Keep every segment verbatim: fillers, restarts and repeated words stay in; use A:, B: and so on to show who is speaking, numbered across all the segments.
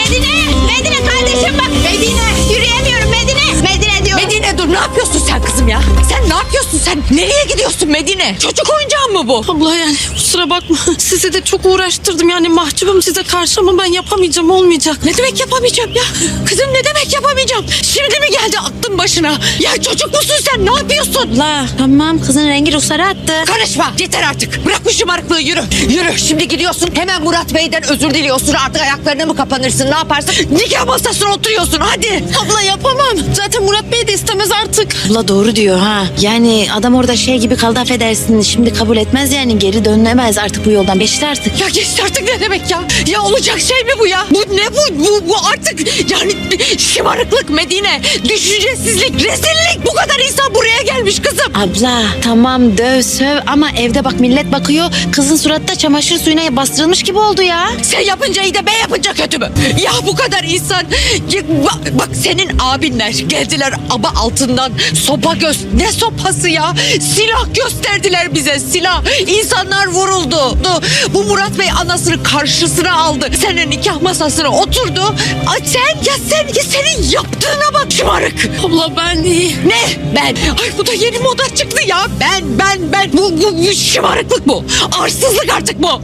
A: Medine! Medine kardeşim bak! Medine! Yürüyemiyorum Medine! Medine diyorum.
B: Medine dur, ne yapıyorsun sen kızım ya? Sen ne yapıyorsun sen? Nereye gidiyorsun Medine? Çocuk oyuncağı mı bu?
C: Abla yani kusura bakma. Sizi de çok uğraştırdım. Yani mahcubum size karşı ama ben yapamayacağım, olmayacak.
B: Ne demek yapamayacağım ya? Kızım ne demek yapamayacağım? Şimdi mi geldi aklın başına? Ya çocuk musun sen? Ne yapıyorsun?
A: Abla tamam kızın rengi ruhsarı attı.
B: Karışma, yeter artık. Bırak bu şımarıklığı, yürü. Yürü, şimdi gidiyorsun. Hemen Murat Bey'den özür diliyorsun. Artık ayaklarına mı kapanırsın, ne yaparsın? Nikah masasına oturuyorsun, hadi.
C: Abla yapamam. Zaten Murat Bey de istemez artık.
A: Abla doğru diyor ha. Yani adam orada şey gibi kaldı, affedersin. Şimdi kabul etmez yani, geri dönülemez artık bu yoldan. Beşti artık.
B: Ya geçti artık ne demek ya? Ya olacak şey mi bu ya? Bu ne bu? Bu, bu artık yani şımarıklık Medine. Düşüncesizlik, rezillik. Bu kadar insan buraya gelmiş kızım.
A: Abla tamam döv söv ama evde bak millet bakıyor. Kızın suratta çamaşır suyuna bastırılmış gibi oldu ya.
B: Sen yapınca iyi de ben yapınca kötü mü? Ya bu kadar insan. Ya bak, bak senin abinler geldiler aba altından sopa göz. Ne sopası ya? Silah gösterdiler bize, silah. İnsanlar vuruldu. Bu Murat Bey anasını karşısına aldı. Senin nikah masasına oturdu. Ay sen ya sen ya senin yaptığına bak şımarık.
C: Abla ben iyi.
B: Ne? Ben. Ay bu da yeni moda çıktı ya. Ben ben ben. Bu, bu, bu şımarıklık bu. Arsızlık artık bu.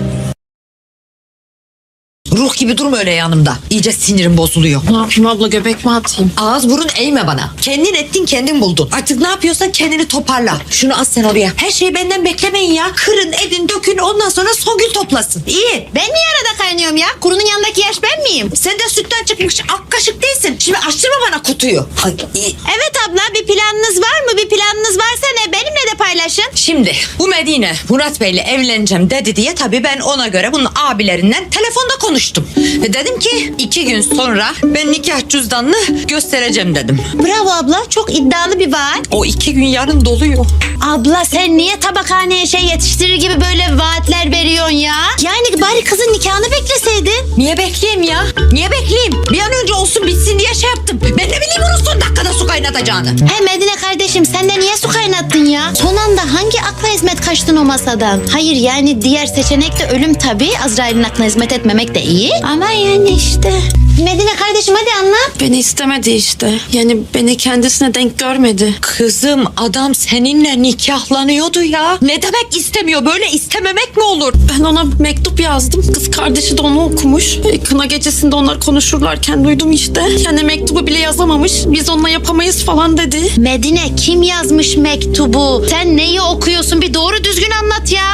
B: Ruh gibi durma öyle yanımda. İyice sinirim bozuluyor.
C: Ne yapayım abla, göbek mi atayım?
B: Ağız burun eğme bana. Kendin ettin kendin buldun. Artık ne yapıyorsan kendini toparla. Şunu as sen oraya. Her şeyi benden beklemeyin ya. Kırın edin dökün, ondan sonra Songül toplasın. İyi.
A: Ben niye arada kaynıyorum ya? Kurunun yanındaki yaş ben miyim?
B: Sen de sütten çıkmış ak kaşık değilsin. Şimdi açtırma bana kutuyu. Ay, iyi.
A: Evet abla, bir planınız var mı? Bir planınız varsa ne? Benimle de paylaşın.
B: Şimdi bu Medine Murat Bey'le evleneceğim dedi diye tabii ben ona göre bunun abilerinden telefonda konuştum. Ve dedim ki iki gün sonra ben nikah cüzdanını göstereceğim dedim.
A: Bravo abla, çok iddialı bir vaat.
B: O iki gün yarın doluyor.
A: Abla sen niye tabakhaneye şey yetiştirir gibi böyle vaatler veriyorsun ya? Yani bari kızın nikahını bekleseydin.
B: Niye bekleyeyim ya? Niye bekleyeyim? Bir an önce olsun bitsin diye şey yaptım. Ben ne bileyim onun son dakikada su kaynatacağını.
A: He Medine kardeşim, sen de niye su kaynattın ya? Son anda hangi akla hizmet kaçtın o masadan? Hayır yani diğer seçenek de ölüm tabii. Azrail'in aklına hizmet etmemek de iyi. Ama yani işte. Medine kardeşim hadi anlat.
C: Beni istemedi işte. Yani beni kendisine denk görmedi.
B: Kızım adam seninle nikahlanıyordu ya. Ne demek istemiyor? Böyle istememek mi olur?
C: Ben ona mektup yazdım. Kız kardeşi de onu okumuş. E, Kına gecesinde onlar konuşurlarken duydum işte. Yani mektubu bile yazamamış. Biz onunla yapamayız falan dedi.
A: Medine kim yazmış mektubu? Sen neyi okuyorsun? Bir doğru düzgün anlat ya.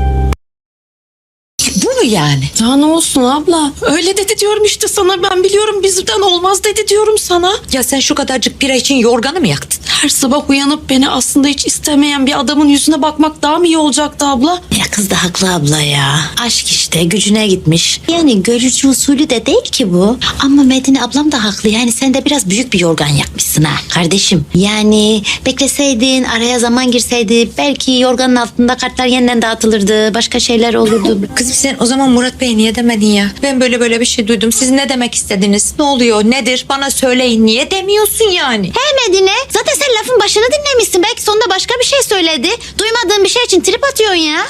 B: Bu mu yani?
C: Ya ne olsun abla? Öyle dedi diyorum işte sana. Ben biliyorum bizden olmaz dedi diyorum sana.
B: Ya sen şu kadarcık bira için yorganı mı yaktın?
C: Her sabah uyanıp beni aslında hiç istemeyen bir adamın yüzüne bakmak daha mı iyi olacaktı abla?
A: Ya kız da haklı abla ya. Aşk işte gücüne gitmiş. Yani görücü usulü de değil ki bu. Ama Medine ablam da haklı. Yani sen de biraz büyük bir yorgan yakmışsın ha kardeşim. Yani bekleseydin, araya zaman girseydi belki yorganın altında kartlar yeniden dağıtılırdı. Başka şeyler olurdu.
B: Kızım sen o zaman Murat Bey niye demedin ya? Ben böyle böyle bir şey duydum. Siz ne demek istediniz? Ne oluyor? Nedir? Bana söyleyin. Niye demiyorsun yani?
A: He Medine, zaten sen lafın başını dinlemişsin. Belki sonunda başka bir şey söyledi. Duymadığın bir şey için trip atıyorsun ya.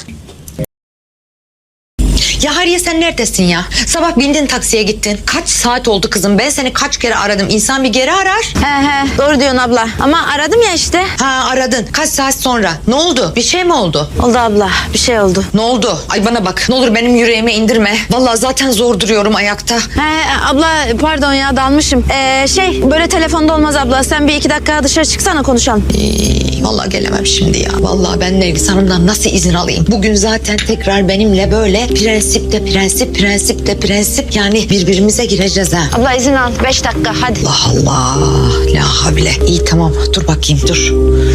B: Ya Hariye sen neredesin ya? Sabah bindin taksiye gittin. Kaç saat oldu kızım? Ben seni kaç kere aradım. İnsan bir geri arar.
A: He he doğru diyorsun abla. Ama aradım ya işte.
B: Ha aradın. Kaç saat sonra? Ne oldu? Bir şey mi oldu?
A: Oldu abla, bir şey oldu.
B: Ne oldu? Ay bana bak. Ne olur benim yüreğime indirme. Vallahi zaten zor duruyorum ayakta.
D: He abla pardon ya dalmışım. Ee, şey böyle telefonda olmaz abla. Sen bir iki dakika dışarı çıksana konuşalım.
B: Ee, vallahi gelemem şimdi ya. Vallahi ben Nergis Hanım'dan nasıl izin alayım? Bugün zaten tekrar benimle böyle prensip de prensip, prensip de prensip. Yani birbirimize gireceğiz ha.
D: Abla izin al. Beş dakika hadi.
B: Allah Allah. La havle. İyi tamam. Dur bakayım dur.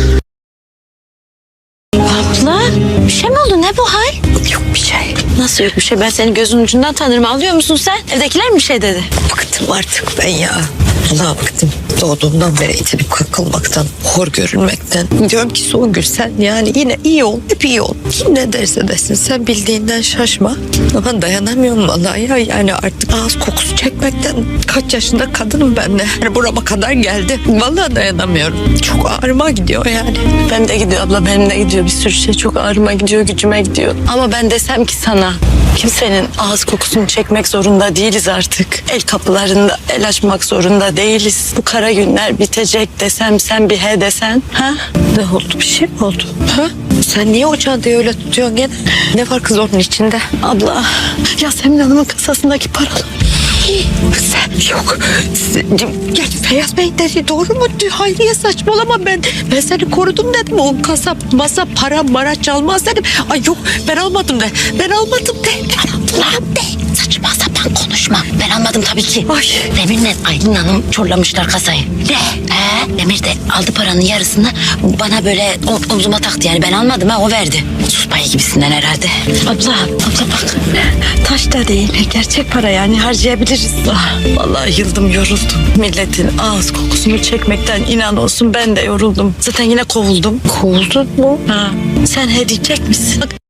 A: Abla bir şey mi oldu, ne bu hal?
B: Yok bir şey.
D: Nasıl yok bir şey? Ben senin gözünün ucundan tanırım. Alıyor musun sen? Evdekiler mi bir şey dedi?
B: Bıktım artık ben ya. Vallahi bıktım. Doğduğumdan beri itip kakılmaktan, hor görülmekten. Diyorum ki Songül sen yani yine iyi ol, hep iyi ol. Kim ne derse desin sen bildiğinden şaşma. Ama dayanamıyorum vallahi ya. Yani artık ağız kokusu çekmekten kaç yaşında kadınım ben de. Yani burama kadar geldi. Vallahi dayanamıyorum. Çok ağrıma gidiyor yani.
C: Ben de gidiyor abla, benim de gidiyor. Bir sürü şey çok ağrıma gidiyor, gücüme gidiyor. Ama ben desem ki sana Ana, kimsenin ağız kokusunu çekmek zorunda değiliz artık. El kapılarında el açmak zorunda değiliz. Bu kara günler bitecek desem, sen bir he desen. Ha?
B: Ne oldu, bir şey mi oldu? Ha? Sen niye o çantayı öyle tutuyorsun gene? Ne var kız onun içinde?
C: Abla, Yasemin Hanım'ın kasasındaki paralar.
B: Sen yok. Sen- Gel Feyyaz Bey dedi, doğru mu? Hayriye saçmalama, ben ben seni korudum dedim. O kasap masa para mara çalmaz dedim. Ay yok, ben almadım de. Ben almadım de. Ben almadım de.
A: Saçma sapan konuşma. Ben almadım tabii ki.
B: Ay.
A: Demir'le Aylin Hanım çorlamışlar kasayı. Ne? He? Demir de aldı paranın yarısını bana böyle o- omzuma taktı. Yani ben almadım ha, o verdi. Sus payı gibisinden herhalde.
C: Abla, abla bak. Taş da değil, gerçek para yani harcayabiliriz. Ah, vallahi yıldım, yoruldum. Milletin ağız kokusunu çekmekten inan olsun ben de yoruldum. Zaten yine kovuldum.
B: Kovuldun mu?
C: Ha, sen he diyecek misin? Bak,